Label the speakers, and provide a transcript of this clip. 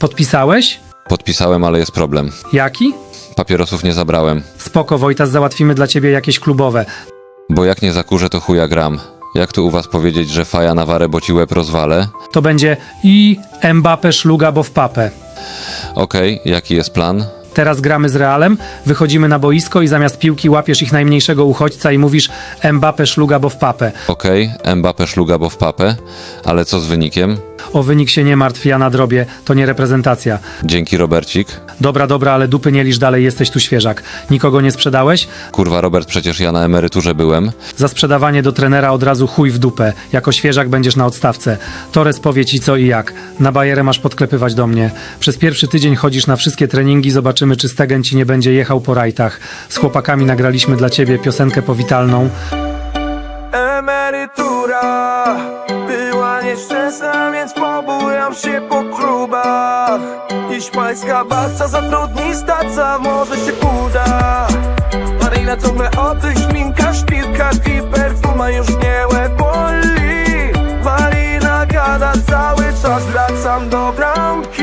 Speaker 1: Podpisałeś?
Speaker 2: Podpisałem, ale jest problem.
Speaker 1: Jaki?
Speaker 2: Papierosów nie zabrałem.
Speaker 1: Spoko, Wojtas, załatwimy dla ciebie jakieś klubowe.
Speaker 2: Bo jak nie zakurzę, to chuja gram. Jak tu u was powiedzieć, że faja na warę, bo ci łeb rozwalę?
Speaker 1: To będzie i Mbappé szluga, bo w papę.
Speaker 2: Okej, jaki jest plan?
Speaker 1: Teraz gramy z Realem, wychodzimy na boisko i zamiast piłki łapiesz ich najmniejszego uchodźca i mówisz Mbappé szluga, bo w papę.
Speaker 2: Okej, Mbappé szluga, bo w papę. Ale co z wynikiem?
Speaker 1: O wynik się nie martw, ja nadrobię, to nie reprezentacja.
Speaker 2: Dzięki, Robercik.
Speaker 1: Dobra, ale dupy nie licz dalej, jesteś tu świeżak. Nikogo nie sprzedałeś?
Speaker 2: Kurwa, Robert, przecież ja na emeryturze byłem.
Speaker 1: Za sprzedawanie do trenera od razu chuj w dupę. Jako świeżak będziesz na odstawce. Torres powie ci co i jak. Na bajerę masz podklepywać do mnie. Przez pierwszy tydzień chodzisz na wszystkie treningi, zobaczymy czy Stegen ci nie będzie jechał po rajtach. Z chłopakami nagraliśmy dla ciebie piosenkę powitalną.
Speaker 3: Emerytura była nieszczęsna, więc pobujam się po klubach. Hiszpańska baca zatrudni staca, może się uda. Marina ciągle o tych szminkach, szpilkach i perfuma już mnie łeb boli. Marina gada cały czas, wracam do bramki.